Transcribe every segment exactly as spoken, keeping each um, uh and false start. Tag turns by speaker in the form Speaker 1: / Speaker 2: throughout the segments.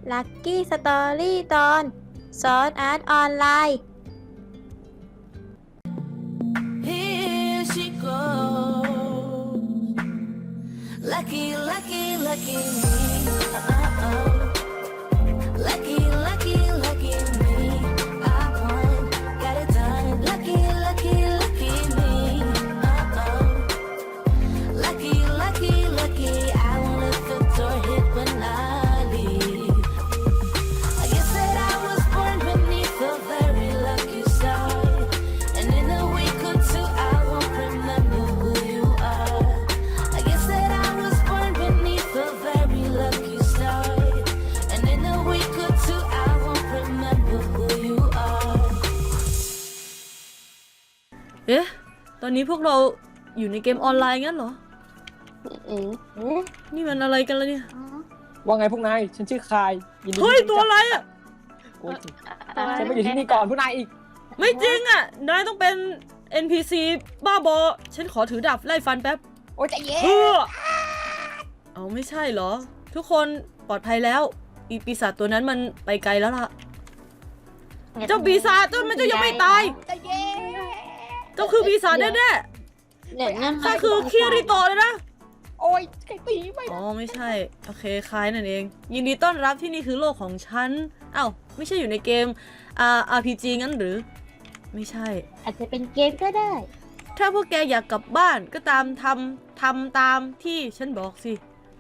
Speaker 1: ลัคกี้สตอรี่ตอนซอสอาร์ตออนไลน์
Speaker 2: Here she goes. Lucky, lucky, lucky me. Uh-oh. Lucky, lucky, lucky me. I won, got it done. Lucky, lucky, lucky me. Uh-oh. Lucky, lucky, lucky. I won't let the door hit when I leave. I guess that I was born beneath a very lucky star. And in a week or two, I won't remember who you are. I guess that I was born beneath a very lucky star. And in a week or two, I won't remember who you are.
Speaker 3: เอ๊ะ ตอนนี้พวกเราอยู่ในเกมออนไลน์งั้นเหรอ
Speaker 1: เอ๋
Speaker 3: นี่มันอะไรกันล่ะเนี่ย
Speaker 4: ว่าไงพวกนาย ฉันชื่อคายยินดี
Speaker 3: เฮ้ย
Speaker 4: ที่
Speaker 3: ตัวอะไรอ่ะ
Speaker 4: โอ้ยฉันมาอยู่ที่นี่ก่อนพวกนายอีก
Speaker 3: ไม่จริงอ่ะ นายต้องเป็น เอ็น พี ซี บ้าบอ ฉันขอถือดาบไล่ฟันแป๊บ
Speaker 4: โอ้ยใจเย็น
Speaker 3: เฮ้อเอาไม่ใช่เหรอ ทุกคนปลอดภัยแล้ว อีปีศาจตัวนั้นมันไปไกลแล้วล่ะ เจ้าปีศาจเจ้ามันเจ้ายังไม่ตาย
Speaker 4: ใจเย็น
Speaker 3: เจ้าคือปีศาจแน่
Speaker 1: เดี๋ยวนั่น
Speaker 3: ๆข้าคือคิริโตะเลยนะ
Speaker 4: โอ้ยใครตีไม่
Speaker 3: อ๋อไม่ใช่ โอเคคล้ายนั่นเอง ยินดีต้อนรับที่นี่คือโลกของฉันอ้าวไม่ใช่อยู่ในเกมอ่า อาร์ พี จี งั้นหรือ ไม่ใช่
Speaker 1: อาจจะเป็นเกมก็ได้
Speaker 3: ถ้าพวกแกอยากกลับบ้านก็ตามทำทำตามที่ฉันบอกสิ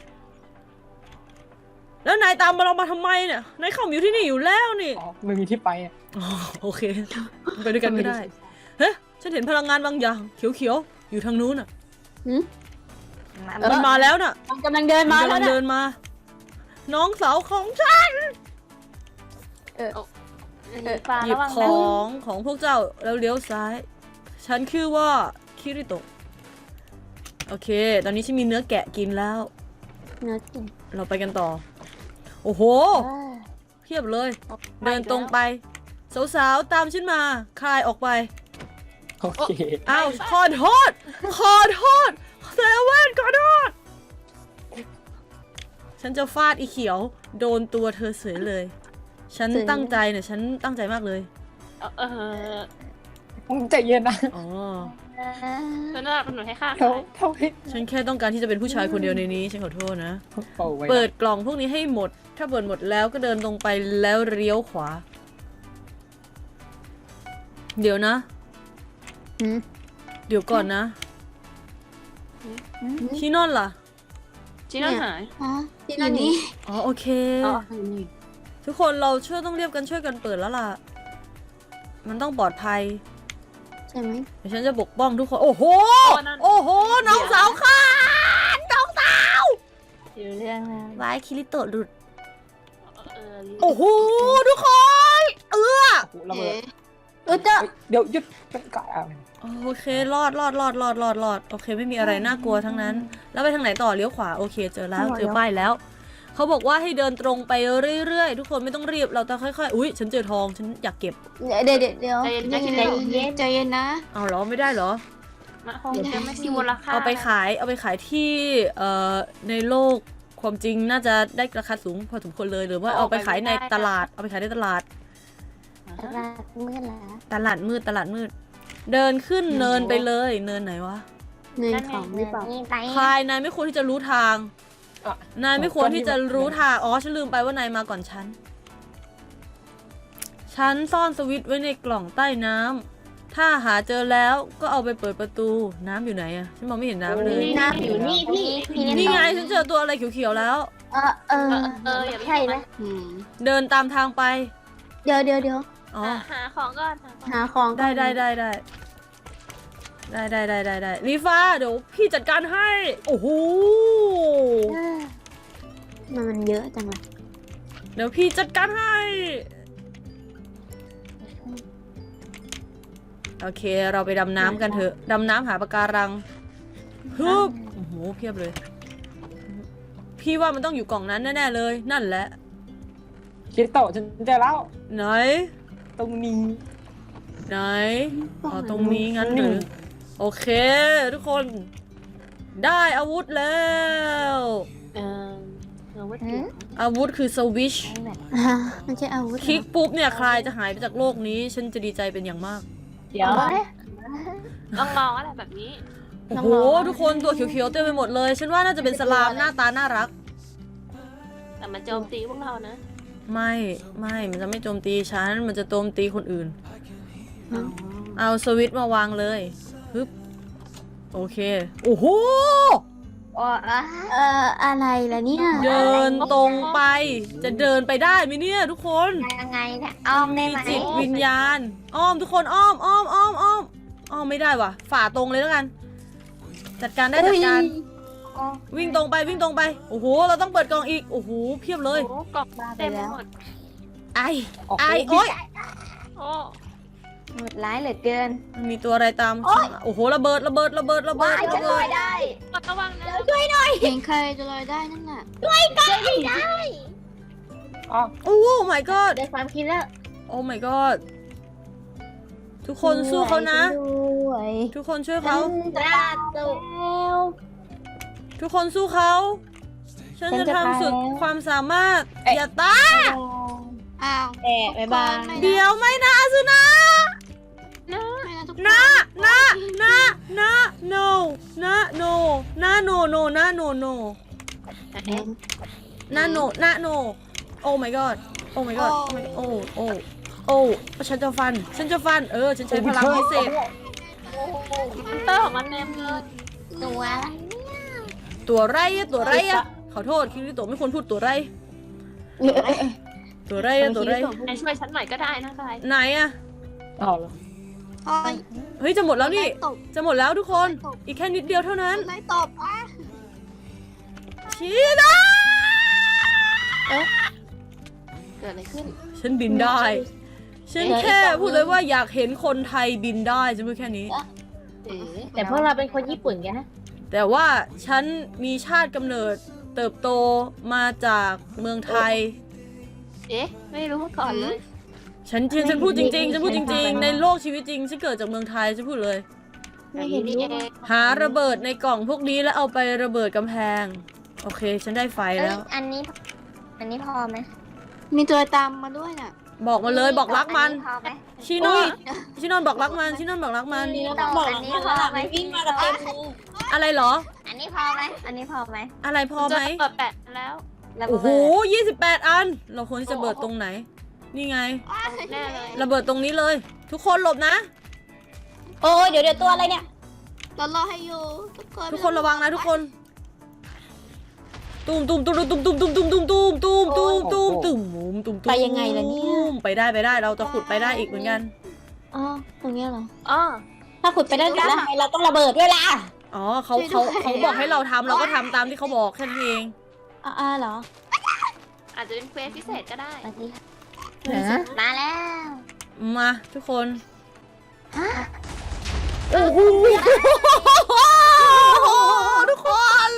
Speaker 3: แล้วนายตามมาเรามาทำไมเนี่ยนายเข้ามาอยู่ที่นี่อยู่แล้วนี่
Speaker 4: อ๋อไม่มีที่ไปอะ
Speaker 3: อ๋อโอเค ไปด้วยกันไม่ได้ เฮ้ยฉันเห็นพลังงานบางอย่างเขียวๆอยู่ทางนู้นอ่ะ
Speaker 1: หืม
Speaker 3: มันมาแล้วน่ะ
Speaker 1: มันกำลังเดินมา
Speaker 3: มัน
Speaker 1: แล้ว
Speaker 3: กำลัง
Speaker 1: นะ
Speaker 3: เดินมา น้องสาวของฉัน
Speaker 1: เออ
Speaker 3: หยิบของของพวกเจ้าแล้วเลี้ยวซ้าย ฉันคือว่าคิริโตะ โอเค ตอนนี้ฉันมีเนื้อแกะกินแล้ว
Speaker 1: เนื้อกิน
Speaker 3: เราไปกันต่อ โอ้โห เพียบเลย เดินตรงไป สาวๆ ตามฉันมา คลายออกไป
Speaker 4: โอเค
Speaker 3: อ้าว ขอโทษ ขอโทษเซเว่นขอโทษ ฉันจะฟาดอีเขียว โดนตัวเธอเสยเลย ฉันตั้งใจเนี่ย ฉันตั้งใจมากเลย
Speaker 5: เออ
Speaker 4: ใจเย็นนะ
Speaker 3: อ๋อ
Speaker 5: เธอน่าเป็นหนูให้ข้า
Speaker 4: เขาเขาให้
Speaker 3: ฉันแค่ต้องการที่จะเป็นผู้ชายคนเดียวในนี้ ฉันขอโทษนะ
Speaker 4: โอ้ไว้นะ
Speaker 3: เปิดกล่องพวกนี้ให้หมด ถ้าเปิดหมดแล้วก็เดินตรงไปแล้วเลี้ยวขวา เดี๋ยวนะ
Speaker 1: หืม
Speaker 3: เดี๋ยวก่อนนะชินอนล่ะ
Speaker 5: จีน่าหาย
Speaker 1: อ๋อที่นั่นนี่
Speaker 3: อ๋อโอเค
Speaker 1: อ๋อ
Speaker 3: ทุกคนเราช่วยต้องเรียบกันช่วยกันเปิดแล้วล่ะ มันต้องปลอดภัย
Speaker 1: ใช่ไหม
Speaker 3: เดี๋ยวฉันจะปกป้องทุกคน โอ้โห โอ้โห น้องสาวข้าน้องสาว
Speaker 1: อยู่เรื่องแล้ว
Speaker 3: วายคิริโตะหลุด
Speaker 5: เออ
Speaker 3: โอ้โห ทุกคน เออ
Speaker 4: โอ้โหระเบิด
Speaker 1: เออเจ้า
Speaker 4: เฮ้ยเดี๋ยวหยุดเป็นกะอ่ะ
Speaker 3: โอเค รอดรอดรอดรอดรอดรอดโอเค ไม่มีอะไรน่ากลัวทั้งนั้น แล้วไปทางไหนต่อ เลี้ยวขวา โอเค เจอแล้ว เจอป้ายแล้ว เขาบอกว่าให้เดินตรงไปเรื่อยๆ ทุกคนไม่ต้องรีบ เราต้องค่อยๆ อุ้ย ฉันเจอทอง ฉันอยากเก็บ
Speaker 1: เดี๋ยวเดี๋ยวเดี๋ยว
Speaker 5: ใจเย็นใจ
Speaker 1: ใจ
Speaker 5: เย็น
Speaker 1: เย็นใจเย็นนะ
Speaker 3: เอาเหรอ ไม่ได้เหรอ
Speaker 5: มันคงจะไม่มีมูลค่า
Speaker 3: เอาไปขาย เอาไปขายที่เอ่อในโลกความจริงน่าจะได้ราคาสูงพอสมควรเลย หรือว่าเอาไปขายในตลาด เอาไปขายในตลาด
Speaker 1: ตลาดมืดแล้ว
Speaker 3: ตลาดมืด ตลาดมืด เดินขึ้นเนินไปเลย เนินไหนวะ
Speaker 1: เงินของหรือเปล่า
Speaker 3: พายนายไม่ควรที่จะรู้ทาง
Speaker 4: อ่ะ
Speaker 3: นายไม่ควรที่จะรู้ทาง อ๋อ ฉันลืมไปว่านายมาก่อนฉัน ฉันซ่อนสวิตช์ไว้ในกล่องใต้น้ำ ถ้าหาเจอแล้วก็เอาไปเปิดประตู น้ำอยู่ไหนอะฉันมองไม่เห็นน้ำเลย
Speaker 1: น้ำอยู่นี่พี่พี่
Speaker 3: นี่ไงฉันเจอตัวอะไรเขียวๆแล้ว
Speaker 1: เออเออ
Speaker 5: เอออย่า
Speaker 1: ใช่ไหมอืม
Speaker 3: เดินตามทางไป
Speaker 1: เดี๋ยวเดี๋ยวเดี๋ยว
Speaker 3: อ๋อ
Speaker 5: หาของก่อน
Speaker 1: หาของ
Speaker 3: ได้ได้ได้ได้ได้ได้ได้ได้ได้ลีฟ้าเดี๋ยวพี่จัดการให้ โอ้โห
Speaker 1: มันมันเยอะจังเลย
Speaker 3: เดี๋ยวพี่จัดการให้ โอเค เราไปดำน้ำกันเถอะ ดำน้ำหาปะการังฮึบโอ้โห เพียบเลย พี่ว่ามันต้องอยู่กล่องนั้นแน่ๆเลย นั่นแหละ
Speaker 4: คิดโตะฉันเจอแล้ว
Speaker 3: ไหน
Speaker 4: ตรงนี้
Speaker 3: ไหน อ๋อ ตรงนี้งั้นหรือ โอเค ทุกคน ได้อาวุธแล้ว
Speaker 5: เออเออว่า
Speaker 1: หืม
Speaker 3: อาวุธคือสวิช
Speaker 1: แบบอ่ามันใช่อาวุธ
Speaker 3: คลิกปุ๊บเนี่ยใครจะหายไปจากโลกนี้ฉันจะดีใจเป็นอย่างมาก
Speaker 4: เดี๋ยว
Speaker 5: น้องๆอะไรแบบนี้
Speaker 3: โอ้โหทุกคนตัวเขียวๆเต็มไปหมดเลย ฉันว่าน่าจะเป็นสลามหน้าตาน่ารัก
Speaker 5: แต่มันโจมตีพวกเรานะ
Speaker 3: ไม่ไม่มันจะไม่โจมตีฉันมันจะโจมตีคนอื่น เอาสวิตช์มาวางเลยฮึบโอเคโอ้โห
Speaker 1: เอ่ออะไรล่ะเนี่ย
Speaker 3: เดินตรงไปจะเดินไปได้ไหมเนี่ยทุกคน
Speaker 1: ยังไงเนี่ยอ้อมได้
Speaker 3: มี
Speaker 1: ไหม
Speaker 3: จิตวิญญาณอ้อมทุกคนอ้อมอ้อมอ้อมอ้อมอ้อมไม่ได้ว่ะฝ่าตรงเลยแล้วกัน จัดการได้จัดการวิ่งตรงไปวิ่งตรงไปโอ้โหเราต้องเปิดกล่องอีกโอ้โหเพียบเลย
Speaker 5: โอ้กล่องเต็มไปหมด
Speaker 3: ไอไอโอ๊ย
Speaker 5: โอ้
Speaker 1: หมดร้ายเหลือเกิน
Speaker 3: มันมีตัวอะไรตามโอ้โหระเบิดระเบิดระเบิดระเบิดระเบิด
Speaker 5: ระวังนะ
Speaker 1: เห็นใครจะลอยได้นั่นน่ะ
Speaker 4: อ๋อ
Speaker 3: โอ้ my god
Speaker 1: ได้ความคิดแล้ว
Speaker 3: โอ้ my god ทุกคนสู้เขานะ
Speaker 1: ด้วย
Speaker 3: ทุกคนช่วยเขา
Speaker 1: ตราตุแล้ว
Speaker 3: ทุกคนสู้เขา ฉันจะทำสุดความสามารถ อย่าตาย
Speaker 1: อ้าวแอะบ๊ายบาย
Speaker 3: เดี๋ยวไม่นะอาซุนะ
Speaker 5: นะ
Speaker 3: นะนะนะนะ no นะ no นะ no no นะ no no นะ no นะ no โอ้ my god โอ้ my god โอ้ my god โอ้โอ้โอ้ฉันจะฟัน ฉันจะฟัน เออ ฉันใช้พลังพิเศษ
Speaker 5: เตอร์ของมันเต็มเลย
Speaker 1: ตัว
Speaker 3: ตัวไรอะตัวไรอะขอโทษคิริโตะไม่ควรพูดตัวไร ตัวไรอะตัวไร
Speaker 5: นายช่วยฉันหน่อยก็ได้นะใคร
Speaker 3: ไหนอะ
Speaker 4: เอาเหรอ
Speaker 3: เฮ้ยจะหมดแล้วนี่
Speaker 1: ตบ
Speaker 3: จะหมดแล้วทุกคน อีกแค่นิดเดียวเท่านั้น
Speaker 1: ไล่ตบอ่ะ
Speaker 3: ชีนะ
Speaker 5: เกิดอะไรขึ้น
Speaker 3: ฉันบินได้ ฉันแค่พูดเลยว่าอยากเห็นคนไทยบินได้ฉันพูดแค่นี้
Speaker 1: แต่พวกเราเป็นคนญี่ปุ่นกันนะ
Speaker 3: แต่ว่าฉันมีชาติกำเนิดเติบโตมาจากเมืองไทย
Speaker 5: เอ๊ะไม่รู้มาก่อนเลย
Speaker 3: ฉันจริงฉันพูดจริงๆฉันพูดจริงๆ ในโลกชีวิตจริงฉันเกิดจากเมืองไทยฉันพูดเลย
Speaker 5: ไม่เห็นนี่เอง
Speaker 3: หาระเบิดในกล่องพวกนี้แล้วเอาไประเบิดกำแพง โอเค ฉันได้ไฟแล้ว
Speaker 1: อันนี้ อันนี้พอไหมมีตัวตามมาด้วยน่ะ
Speaker 3: บอกมาเลยบอกรักมัน
Speaker 1: พอไหม
Speaker 3: ชิโนนชิโนนบอกรักมันชิโนนบอกรักมัน
Speaker 1: ต้องบอกอันนี้พอไหมวิ่งมากับเต็ม
Speaker 3: อะไรเหรอ
Speaker 1: อันนี้พอไหมอันนี้พอไหม
Speaker 3: อะไรพอไหม
Speaker 5: จะเปิดแปะแล้ว
Speaker 3: โอ้โหยี่สิบแปดอัน เราควรที่จะเบิดตรงไหน นี่ไง
Speaker 5: แน่เลย
Speaker 3: ระเบิดตรงนี้เลย ทุกคนหลบนะ
Speaker 1: โอ้ยเดี๋ยวเดี๋ยวตัวอะไรเนี่ยเรารอให้อยู่ทุกคน
Speaker 3: ทุกคนระวังนะทุกคนตุ้มตุ้มตุ้มตุ้มตุ้มตุ้มตุ้มตุ้มตุ้มตุ้มตุ้มตุ้มตุ้มตุ้มตุ้มตุ้ม
Speaker 1: ไปยังไงล่ะเนี่ย
Speaker 3: ไปได้ไปได้เราจะขุดไปได้อีกเหมือนกัน
Speaker 1: อ๋อตรงนี้เหรอ
Speaker 5: อ๋อ
Speaker 1: ถ้าขุดไปได้แล้วทำไมเราต้องระเบิดด้วยล่ะ
Speaker 3: อ๋อเขาเขาเขาบอกให้เราทำเราก็ทำตามที่เขาบอกแค่นั้นเอง
Speaker 1: อ่าเหรอ
Speaker 5: อาจจะเป็นเควสพิเศษก็ได้
Speaker 1: สวัสดีค่ะมาแล้ว
Speaker 3: มาทุกคนโอ้โหทุกคน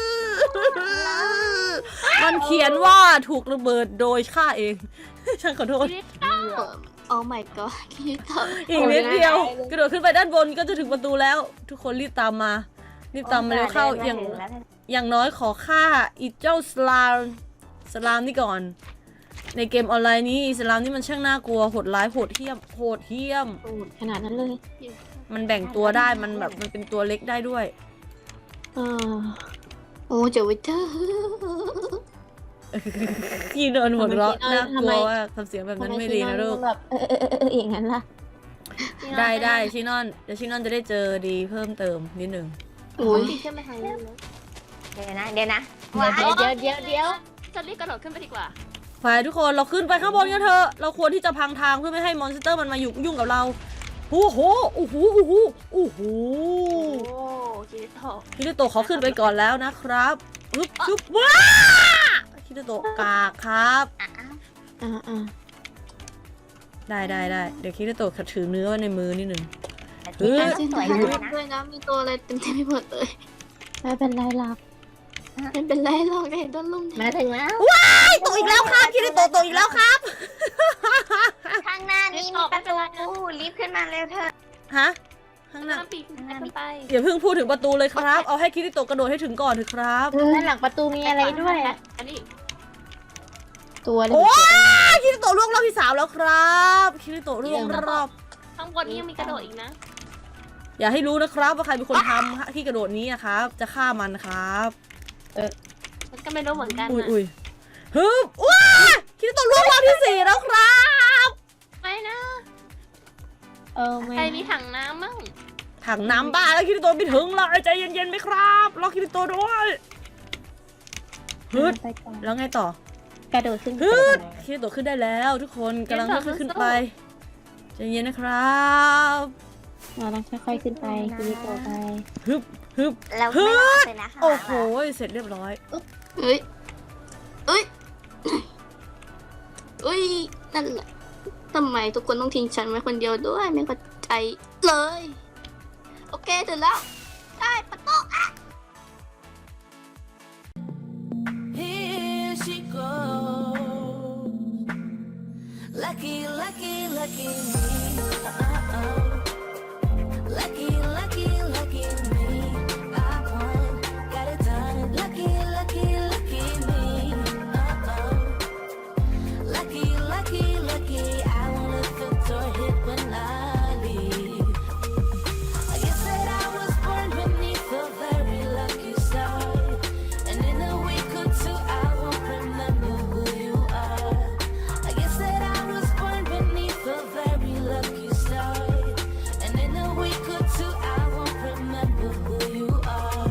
Speaker 3: มันเขียนว่าถูกระเบิดโดยข้าเอง ฉันขอโทษ
Speaker 1: โอ้ my god คิดต่อ
Speaker 3: อีกนิดเดียว กระโดดขึ้นไปด้านบนก็จะถึงประตูแล้ว ทุกคนรีบตามมา รีบตามมาเร็วเข้าอย่างอย่างน้อยขอฆ่าอีเจ้าสลามสลามนี่ก่อน ในเกมออนไลน์นี้สลามนี่มันช่างน่ากลัวโหดร้ายโหดเหี้ยมโหดเหี้ยม
Speaker 1: ขนาดนั้นเลย
Speaker 3: มันแบ่งตัวได้มันแบบมันเป็นตัวเล็กได้ด้วย
Speaker 1: เออโอ้เจ๋อเจ้า
Speaker 3: ยีนอนหัวเราะ
Speaker 1: ทำไม
Speaker 3: น่าก
Speaker 1: ทำ
Speaker 3: ลั
Speaker 1: ไม
Speaker 3: วว่าทำเสียงแบบนั้นไม่ดีนะลูก
Speaker 1: แบบเออเออเอออย่างนั้นล่ะ
Speaker 3: ได้ได้ชินอนเดี๋ยวชินอนจะได้เจอดีเพิ่มเติมนิดนึง
Speaker 1: โอ้ย
Speaker 5: ตีขึ้นไปทางนี้นะ
Speaker 1: เดี๋ยวนะ เดี๋ยวนะเดี๋ยวเดี๋ยวเดี๋ยวเดี๋ยว
Speaker 5: จะรีบกระโดดขึ้นไปดีกว่า
Speaker 3: ฝ่ายทุกคนเราขึ้นไปข้างบนกันเถอะเราควรที่จะพังทางเพื่อไม่ให้มอนสเตอร์มันมาอยู่ยุ่งกับเราโอ้โหโอ้โหโอ้โหโอ้โห
Speaker 5: โอ้คิริโตะ
Speaker 3: คิริโตะเขาขึ้นไปก่อนแล้วนะครับอึ๊บจุ๊บว้าคิริโตะกากครับ
Speaker 1: อ่าอ่า
Speaker 3: ได้ได้ได้เดี๋ยวคิริโตะถือเนื้อไว้ในมือนิดนึง
Speaker 1: เฮ้ยสวยด้วยนะมีตัวอะไรเต็มที่ไปหมดเลยไม่เป็นไรหรอกไม่เป็นไรหรอกเห็นต้นลุ่มมาถึงแล้ว
Speaker 3: ว้ายตกอีกแล้วครับคิริโตะตกอีกแล้วครับ
Speaker 1: ข้างหน้านี้มีประตูรีบขึ้นมาเร็วเถอะ
Speaker 3: ฮะข้างหน้า
Speaker 5: น้ำปีกขึ้นไป
Speaker 3: อย่าเพิ่งพูดถึงประตูเลยครับ เอาให้คิริโตะกระโดดให้ถึงก่อนเถอะครับ
Speaker 1: ด้านหลังประตูมีอะไรด้วย
Speaker 5: อันนี้
Speaker 1: ตัวอะไร
Speaker 3: โอ้ยคิริโตะล่วงรอบที่สามแล้วครับคิริโตะล่วงรอบ
Speaker 5: ข้างบนนี้ยังมีกระโดดอีกนะ
Speaker 3: อย่าให้รู้นะครับว่าใครเป็นคนทำที่กระโดดนี้นะครับ จะฆ่ามันครับ
Speaker 5: มันก็ไม่รู้เหมือนกัน
Speaker 3: อุ้ย
Speaker 5: นะ
Speaker 3: อุ้ยฮึบว้าคิริโตะล่วงรอบที่สี่แล้วครับ
Speaker 5: ไม่นะ
Speaker 1: เออไม่
Speaker 5: ใครมีถังน้ำมั่ง
Speaker 3: ถังน้ำบ้าแล้วคิริโตะไม่ถึงเลยใจเย็นๆไหมครับรอคิริโตะด้วยฮึด
Speaker 1: ไปก่อน
Speaker 3: แล้วไงต่อก
Speaker 1: ระโดดขึ้น
Speaker 3: ฮึดคิริโตะขึ้นได้แล้วทุกคนกำลังค่อยๆขึ้นไปใจเย็นนะครับ
Speaker 1: เราต้องค่อยๆขึ้นไปคิริโตะไป
Speaker 3: ฮึบฮึบ
Speaker 6: แล้วไม่รอดเลยนะคะ
Speaker 3: โอ้โหเสร็จเรียบร้อย
Speaker 1: เอ้ยเอ้ยเอ้ยนั่นแหละทำไมทุกคนต้องทิ้งฉันไว้คนเดียวด้วยไม่เข้าใจเลย โอเคถึงแล้วได้ประตู
Speaker 2: Here she goes. Lucky, lucky, lucky me. Uh-oh. Lucky, lucky, lucky me. I won, got it done. Lucky, lucky, lucky me. Uh-oh. Lucky, lucky, lucky. I won't let the door hit when I leave. I guess that I was born beneath a very lucky star. And in a week or two, I won't remember who you are. I guess that I was born beneath a very lucky star. And in a week or two, I won't remember who you are.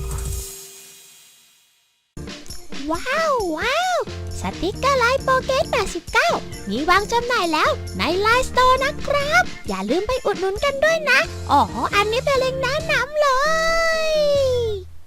Speaker 7: ว้าว ว้าว สติกเกอร์ไลน์โปเกตแปดสิบเก้ามีวางจำหน่ายแล้วในไลน์สโตร์นะครับ อย่าลืมไปอุดหนุนกันด้วยนะ อ๋อ อันนี้เป็นเล็งก์แนะนำเลย